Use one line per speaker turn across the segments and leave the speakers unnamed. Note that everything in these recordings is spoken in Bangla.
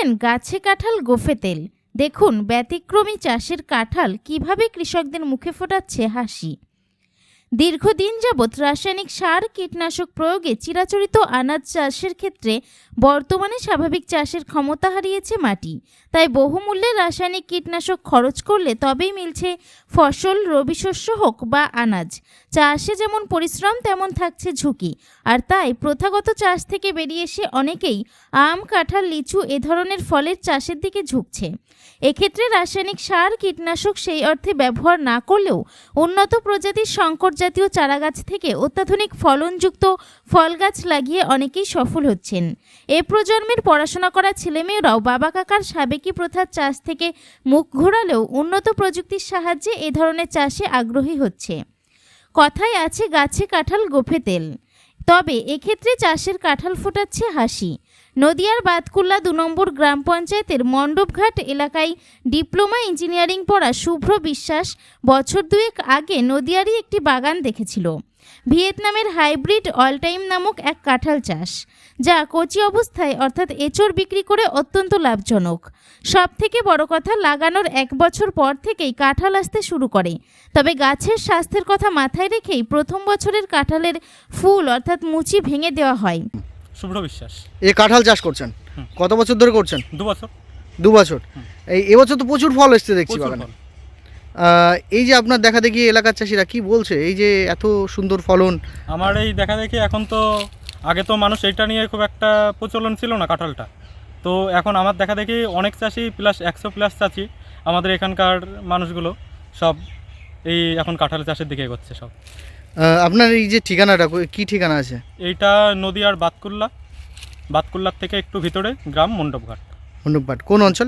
দেখছেন গাছে কাঁঠাল গোফে তেল। দেখুন ব্যতিক্রমী চাষের কাঁঠাল কিভাবে কৃষকদের মুখে ফোটাচ্ছে হাসি। দীর্ঘদিন যাবৎ রাসায়নিক সার কীটনাশক প্রয়োগে চিরাচরিত আনাজ চাষের ক্ষেত্রে বর্তমানে স্বাভাবিক চাষের ক্ষমতা হারিয়েছে মাটি। তাই বহুমূল্যে রাসায়নিক কীটনাশক খরচ করলে তবেই মিলছে ফসল, রবি শস্য হোক বা আনাজ। চাষে যেমন পরিশ্রম তেমন থাকছে ঝুঁকি। আর তাই প্রথাগত চাষ থেকে বেরিয়ে এসে অনেকেই আম, কাঁঠাল, লিচু এ ধরনের ফলের চাষের দিকে ঝুঁকছে। এক্ষেত্রে রাসায়নিক সার কীটনাশক সেই অর্থে ব্যবহার না করলেও উন্নত প্রজাতির সংকর জাতীয় চারাগাছ থেকে অত্যাধুনিক ফলনযুক্ত ফল গাছ লাগিয়ে অনেকেই সফল হচ্ছেন। এ প্রজন্মের পড়াশোনা করা ছেলেমেয়েরাও বাবা কাকার সাবেকি প্রথার চাষ থেকে মুখ ঘোরালেও উন্নত প্রযুক্তির সাহায্যে এ ধরনের চাষে আগ্রহী হচ্ছে। কথায় আছে গাছে কাঁঠাল গোফে তেল, তবে এক্ষেত্রে চাষের কাঁঠাল ফোটাচ্ছে হাসি। নদিয়ার বাতকুল্লা ২ নম্বর গ্রাম পঞ্চায়েতের মণ্ডপঘাট এলাকায় ডিপ্লোমা ইঞ্জিনিয়ারিং পড়া শুভ্র বিশ্বাস বছর দুয়েক আগে নদিয়ারই একটি বাগান দেখেছিল। ভিয়েতনামের হাইব্রিড অলটাইম নামক এক কাঁঠাল চাষ, যা কচি অবস্থায় অর্থাৎ এঁচড় বিক্রি করে অত্যন্ত লাভজনক। সব থেকে বড় কথা, লাগানোর ১ বছর পর থেকেই কাঁঠাল আসতে শুরু করে। তবে গাছের স্বাস্থ্যের কথা মাথায় রেখেই প্রথম বছরের কাঁঠালের ফুল অর্থাৎ মুচি ভেঙে দেওয়া হয়।
শুভ্র বিশ্বাস।
এই কাঁঠাল চাষ করছেন কত বছর ধরে করছেন?
2 বছর।
2 বছর। এবছর তো প্রচুর ফল এসছে দেখছি বাগানে। এই যে আপনার দেখা দেখি এলাকার চাষিরা কি বলছে, এই যে এত সুন্দর ফলন?
আমার এই দেখা দেখি এখন তো, আগে তো মানুষ এইটা নিয়ে খুব একটা প্রচলন ছিল না কাঁঠালটা, তো এখন আমার দেখা দেখি অনেক চাষি প্লাস 100+ চাষি আমাদের এখানকার মানুষগুলো সব এই এখন কাঁঠাল চাষের দিকে এগোচ্ছে সব।
আপনার এই যে ঠিকানাটা কি ঠিকানা আছে?
এইটা নদিয়ার বাতকুল্লার থেকে একটু ভিতরে গ্রাম মণ্ডপঘাট।
মণ্ডপঘাট কোন অঞ্চল?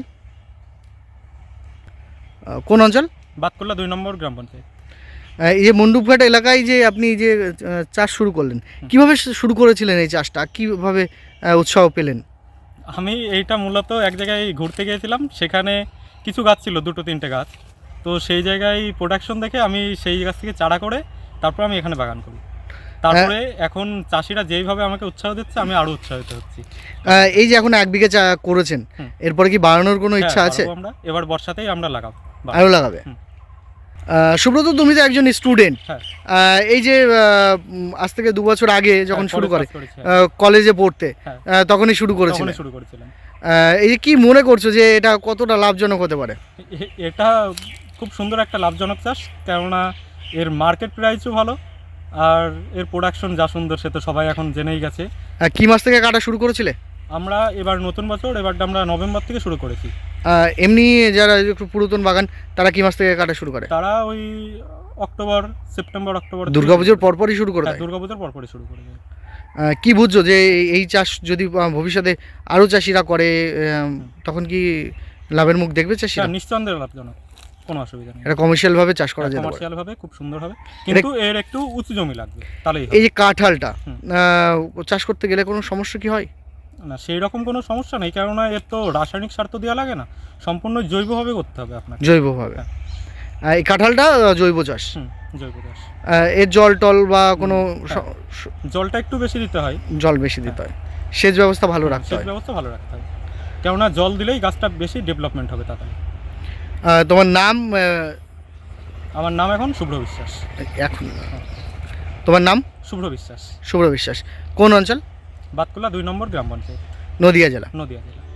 কোন অঞ্চল?
বাতকুল্লা 2 নম্বর গ্রাম পঞ্চায়েত।
এই যে মণ্ডপঘাট এলাকায় যে আপনি যে চাষ শুরু করলেন, কিভাবে শুরু করেছিলেন এই চাষটা, কিভাবে উৎসাহ পেলেন?
আমি এইটা মূলত এক জায়গায় ঘুরতে গিয়েছিলাম, সেখানে কিছু গাছ ছিল, 2-3টে গাছ, তো সেই জায়গায় প্রোডাকশন দেখে আমি সেই গাছ থেকে চারা করে তারপর আমি এখানে বাগান করি। তারপরে এখন চাষিরা যেইভাবে আমাকে উৎসাহ দিচ্ছে আমি আরও উৎসাহিত হচ্ছি।
এই যে এখন 1 বিঘা চা করেছেন, এরপরে কি বাড়ানোর কোনো ইচ্ছা আছে?
আমরা এবার বর্ষাতেই আমরা লাগাবো।
আরও লাগাবে? সুব্রত, তুমি তো একজন স্টুডেন্ট। এই যে আজ থেকে 2 বছর আগে যখন শুরু করে কলেজে পড়তে, তখনই শুরু করেছিলাম। এই যে কি মনে করছো যে এটা কতটা লাভজনক হতে পারে?
এটা খুব সুন্দর একটা লাভজনক চাষ, কেননা এর মার্কেট প্রাইসও ভালো আর এর প্রোডাকশন যা সুন্দর সে তো সবাই এখন জেনেই গেছে।
কি মাস থেকে কাটা শুরু করেছিলে?
আমরা এবার নতুন বছর, এবারটা আমরা নভেম্বর থেকে শুরু করেছি।
এমনি যারা একটু পুরাতন বাগান তারা কি মাস থেকে কাটা শুরু করে?
তারা ওই সেপ্টেম্বর অক্টোবর
দুর্গাপুজোর পরপরই শুরু করে দেয়।
দুর্গাপুজোর পরপরই শুরু করে দেয়।
কি বুঝছো যে এই চাষ যদি ভবিষ্যতে আরও চাষিরা করে তখন কি লাভের মুখ দেখবে চাষিরা?
নিঃসন্দেহে লাভজনক, কোনো অসুবিধা নেই।
এটা কমার্শিয়াল ভাবে চাষ করা যায়,
কমার্শিয়াল ভাবে খুব সুন্দর হবে, কিন্তু এর একটু উঁচু জমি লাগবে তাহলেই।
এই যে কাঁঠালটা চাষ করতে গেলে কোনো সমস্যা কি হয়?
না, সেই রকম কোনো সমস্যা নেই, কেননা এর তো রাসায়নিক সার তো দেওয়া লাগে না, সম্পূর্ণ জৈবভাবে করতে হবে আপনাকে।
জৈবভাবে? এই কাঁঠালটা জৈব চাষ?
জৈব চাষ।
এর জল টল বা কোনো
জলটা একটু বেশি দিতে হয়।
জল বেশি দিতে হয়, সেচ ব্যবস্থা ভালো রাখতে হয়।
সেচ ব্যবস্থা ভালো রাখতে হবে, কেননা জল দিলেই গাছটা বেশি ডেভেলপমেন্ট হবে তাড়াতাড়ি।
তোমার নাম?
আমার নাম এখন শুভ্র বিশ্বাস।
এখন তোমার নাম?
শুভ্র বিশ্বাস।
শুভ্র বিশ্বাস। কোন অঞ্চল?
বাতকুল্লা 2 নম্বর গ্রাম পঞ্চায়েত,
নদিয়া জেলা।
নদিয়া জেলা।